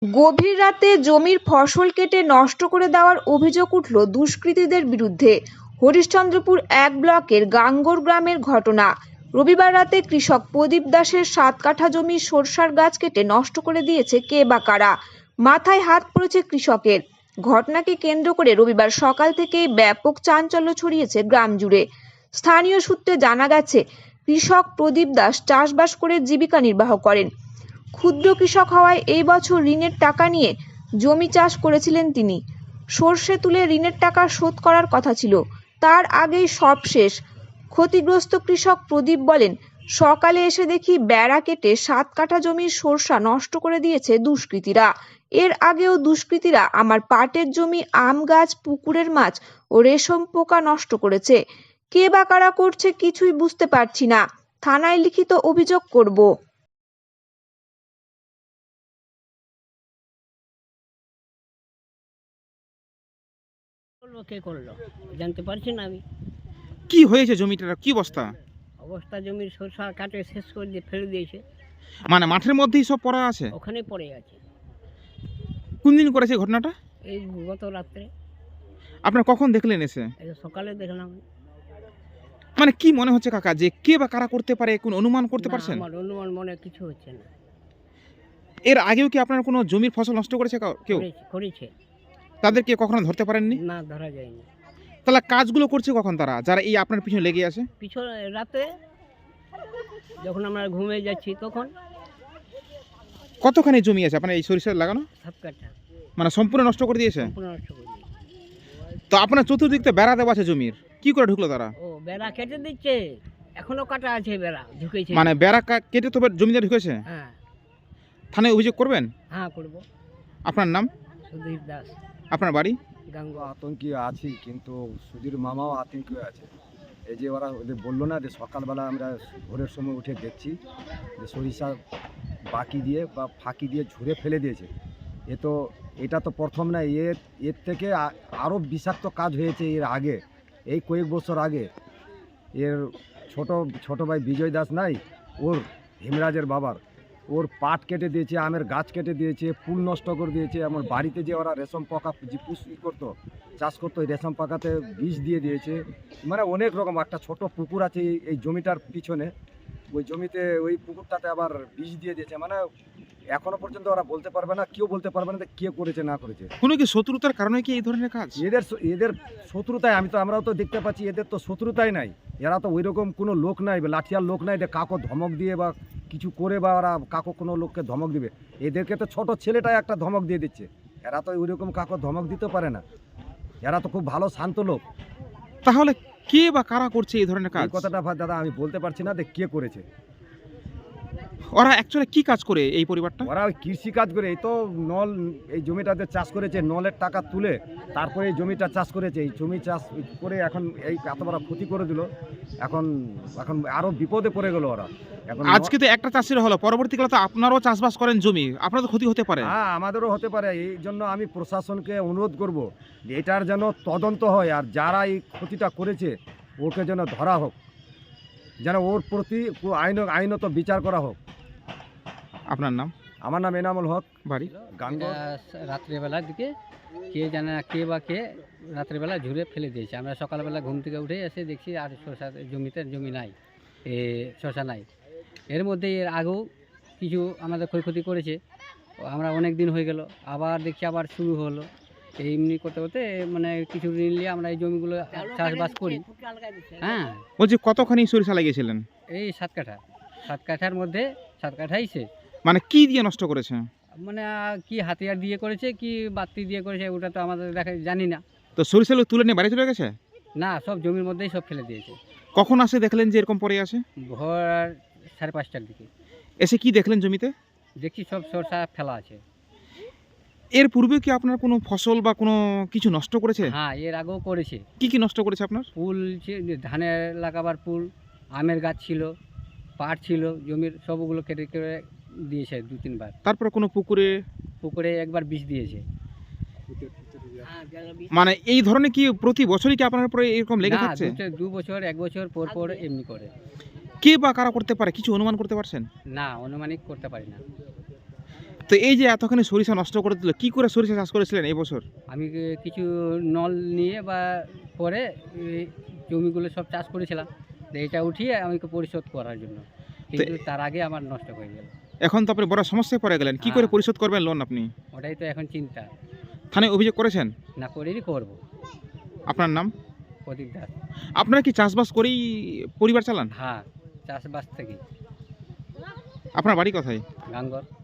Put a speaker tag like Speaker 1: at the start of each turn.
Speaker 1: গভীর রাতে জমির ফসল কেটে নষ্ট করে দেওয়ার অভিযোগ উঠল দুষ্কৃতীদের বিরুদ্ধে। হরিশ্চন্দ্রপুর ১ ব্লকের গাঙ্গর গ্রামের ঘটনা। রবিবার রাতে কৃষক প্রদীপ দাসের ৭ কাঠা জমির সরষার গাছ কেটে নষ্ট করে দিয়েছে কে বা কারা। মাথায় হাত পড়েছে কৃষকের। ঘটনাকে কেন্দ্র করে রবিবার সকাল থেকেই ব্যাপক চাঞ্চল্য ছড়িয়েছে গ্রাম জুড়ে। স্থানীয় সূত্রে জানা গেছে, কৃষক প্রদীপ দাস চাষবাস করে জীবিকা নির্বাহ করেন। ক্ষুদ্র কৃষক হওয়ায় এই বছর ঋণের টাকা নিয়ে জমি চাষ করেছিলেন তিনি। সর্ষে তুলে ঋণের টাকা শোধ করার কথা ছিল, তার আগেই সব শেষ। ক্ষতিগ্রস্ত কৃষক প্রদীপ বলেন, সকালে এসে দেখি বেড়া কেটে ৭ কাঠা জমির সরষা নষ্ট করে দিয়েছে দুষ্কৃতীরা। এর আগেও দুষ্কৃতীরা আমার পাটের জমি, আম গাছ, পুকুরের মাছ ও রেশম পোকা নষ্ট করেছে। কে বা কারা করছে কিছুই বুঝতে পারছি না। থানায় লিখিত অভিযোগ করব।
Speaker 2: কে করলো জানতে পারছি না আমি।
Speaker 3: কি হয়েছে জমিটার কি অবস্থা?
Speaker 2: অবস্থা জমির সরষা কাটে শেষ করে দিয়ে ফেলে দিয়েছে।
Speaker 3: মানে মাঠের মধ্যেই সব পড়া আছে?
Speaker 2: ওখানে পড়ে আছে।
Speaker 3: কোন দিন করেছে ঘটনাটা?
Speaker 2: এই গত রাত্রে।
Speaker 3: আপনারা কখন দেখলেন এসে?
Speaker 2: এই সকালে দেখলাম।
Speaker 3: মানে কি মনে হচ্ছে কাকা, যে কে বা কারা করতে পারে, কোন অনুমান করতে
Speaker 2: না,
Speaker 3: পারছেন?
Speaker 2: আমার অনুমান মনে কিছু হচ্ছে না।
Speaker 3: এর আগেও কি আপনার কোনো জমির ফসল নষ্ট করেছে কেউ?
Speaker 2: করেছে।
Speaker 3: তাদেরকে কখনো ধরতে পারেননি?
Speaker 2: না, ধরা যায়নি।
Speaker 3: তাহলে কাজগুলো করছে কখন তারা, যারা এই আপনার পিছনে লেগে আছে?
Speaker 2: পিছনে রাতে যখন আমরা ঘুমিয়ে যাচ্ছি তখন।
Speaker 3: কতখানি জমি আছে আপনার এই সরিষা লাগানো?
Speaker 2: ৭ কাঠা
Speaker 3: মানে সম্পূর্ণ নষ্ট করে দিয়েছে?
Speaker 2: সম্পূর্ণ নষ্ট করে দিয়েছে।
Speaker 3: তো আপনার চতুর্দিক থেকে বেড়া দেওয়া আছে জমির, কি করে ঢুকলো তারা?
Speaker 2: ও বেড়া কেটে দিচ্ছে, এখনো কাটা আছে বেড়া, ঢুকেছে।
Speaker 3: মানে বেড়া কেটে তো জমিতে ঢুকেছে?
Speaker 2: হ্যাঁ।
Speaker 3: থানায় অভিযোগ করবেন?
Speaker 2: হ্যাঁ, করবো।
Speaker 3: আপনার নাম?
Speaker 2: সুধীর দাস।
Speaker 3: আপনার বাড়ি?
Speaker 2: গাঙ্গুয়া।
Speaker 4: আতঙ্কে আছি, কিন্তু সুধীর মামাও আতঙ্কে আছে। এই যে ওদের বললো না যে সকালবেলা আমরা ভোরের সময় উঠে দেখছি যে সরিষা বাকি দিয়ে বা ফাঁকি দিয়ে ঝুড়ে ফেলে দিয়েছে। এটা তো প্রথম না, এর থেকে আরও বিষাক্ত কাজ হয়েছে এর আগে, এই কয়েক বছর আগে। এর ছোট ভাই বিজয় দাস নাই, ওর হেমরাজের বাবার, ওর পাট কেটে দিয়েছে, আমের গাছ কেটে দিয়েছে, ফুল নষ্ট করে দিয়েছে। আমার বাড়িতে যে ওরা রেশম পোকা যে করতো, চাষ করতো, ওই রেশম পোকাতে বিষ দিয়ে দিয়েছে। মানে অনেক রকম। একটা ছোট পুকুর আছে এই জমিটার পিছনে, ওই জমিতে ওই পুকুরটাতে আবার বিষ দিয়ে দিয়েছে। মানে এখনো পর্যন্ত ওরা বলতে পারবে না, কেউ বলতে পারবে না যে কে করেছে না করেছে।
Speaker 3: কোনো কি শত্রুতার কারণে কি এই ধরনের কাজ?
Speaker 4: এদের শত্রুতায় আমরাও তো দেখতে পাচ্ছি, এদের তো শত্রুতাই নাই। এরা তো ওই রকম কোনো লোক নাই, লাঠিয়ার লোক নাই যে কাকো ধমক দিয়ে বা কিছু করে বা ওরা কাকো কোনো লোককে ধমক দিবে। এদেরকে তো ছোট ছেলেটাই একটা ধমক দিয়ে দিচ্ছে। এরা তো ওই রকম কাকো ধমক দিতে পারে না। এরা তো খুব ভালো শান্ত লোক।
Speaker 3: তাহলে কে বা কারা করছে এই ধরনের কাজ?
Speaker 4: এই কথাটা দাদা আমি বলতে পারছি না যে কে করেছে।
Speaker 3: ওরা অ্যাকচুয়ালি কি কাজ করে এই পরিবারটা?
Speaker 4: ওরা ওই কৃষি কাজ করে। এই তো এই জমিটাতে চাষ করেছে, নলের টাকা তুলে তারপরে এই জমিটা চাষ করেছে। এই জমি চাষ করে এখন এই এত বড় ক্ষতি করে দিল। এখন আরো বিপদে পড়ে গেল ওরা। এখন
Speaker 3: আজকে তো একটা চাষির হলো, পরবর্তীকালে তো আপনারাও চাষবাস করেন জমি, আপনার তো ক্ষতি হতে পারে।
Speaker 4: হ্যাঁ, আমাদেরও হতে পারে। এই জন্য আমি প্রশাসনকে অনুরোধ করব যে এটার যেন তদন্ত হয়, আর যারা এই ক্ষতিটা করেছে ওকে যেন ধরা হোক, যেন ওর প্রতি আইনত বিচার করা হোক।
Speaker 3: আপনার নাম?
Speaker 4: আমার নাম এনামুল হক,
Speaker 3: বাড়ি?
Speaker 4: গাঙ্গর।
Speaker 2: রাত্রেবেলার দিকে কে জানে না, কে বা কে রাত্রেবেলা ঝুড়ে ফেলে দিয়েছে। আমরা সকালবেলা ঘুম থেকে উঠে এসে দেখছি আর শসা জমি নাই, শসা নাই। এর মধ্যে এর আগেও কিছু আমাদের ক্ষয়ক্ষতি করেছে। আমরা অনেক দিন হয়ে গেল, আবার দেখছি আবার শুরু হলো। এমনি করতে করতে মানে কিছু ঋণ নিয়ে আমরা এই জমিগুলো চাষবাস করি। হ্যাঁ,
Speaker 3: বলছি কতখানি সরিষা লাগিয়েছিলেন?
Speaker 2: এই ৭ কাঠা, ৭ কাঠার মধ্যে ৭ কাঠাই শেষ।
Speaker 3: মানে কি দিয়ে নষ্ট করেছে?
Speaker 2: মানে কি হাতিয়ার দিয়ে করেছে কি বাতি দিয়ে করেছে ওটা তো আমাদের জানি না।
Speaker 3: তো সরিষাগুলো তুলে নিয়ে বাড়ি চলে গেছে?
Speaker 2: না, সব জমির মধ্যেই সব ফেলে দিয়েছে।
Speaker 3: কখন আসে দেখলেন যে এরকম পড়ে আছে?
Speaker 2: ভোর 5:30টার দিকে
Speaker 3: এসে কি দেখলেন জমিতে?
Speaker 2: দেখছি সব সরষা ফেলা আছে।
Speaker 3: এর পূর্বে কি আপনার কোনো ফসল বা কোনো কিছু নষ্ট করেছে?
Speaker 2: হ্যাঁ, এর আগেও করেছে।
Speaker 3: কি কি নষ্ট করেছে আপনার?
Speaker 2: ফুল ধানের লাগাবার ফুল, আমের গাছ ছিল, পাট ছিল, জমির সবগুলো কেটে কেটে দিয়েছে 2-3 বার।
Speaker 3: তারপরে কোনো
Speaker 2: পুকুরে একবার বিষ দিয়েছে।
Speaker 3: মানে এই ধরনের কি প্রতি বছরই কি আপনার উপরে এরকম লেগে
Speaker 2: না,
Speaker 3: থাকছে?
Speaker 2: 2 বছর 1 বছর পর পর এমনি করে।
Speaker 3: কে বা কারা করতে পারে কিছু অনুমান করতে পারছেন?
Speaker 2: না, অনুমানিক করতে পারি না।
Speaker 3: তো এই যে এতখানি সরিষা নষ্ট করে দিল, কি করে সরিষা চাষ করেছিলেন এই বছর?
Speaker 2: আমি কিছু নল নিয়ে বা পরে এই জমিগুলো সব চাষ করেছিলাম, তো এটা উঠিয়ে আমাকে পরিশোধ করার জন্য, কিন্তু তার আগে আমার নষ্ট হয়ে গেল।
Speaker 3: এখন তো আপনি বড় সমস্যায় পড়ে গেলেন, কি করে
Speaker 2: হ্যাঁ।
Speaker 3: পরিশোধ করবেন লোন আপনি?
Speaker 2: ওটাই তো এখন চিন্তা।
Speaker 3: থানায় অভিযোগ করেছেন?
Speaker 2: না করেই করবো।
Speaker 3: আপনার নাম?
Speaker 2: প্রদীপ দাস।
Speaker 3: আপনারা কি চাষবাস করেই পরিবার চালান?
Speaker 2: হ্যাঁ, চাষবাস থেকে।
Speaker 3: আপনার বাড়ি কোথায়?
Speaker 2: গাঙ্গর।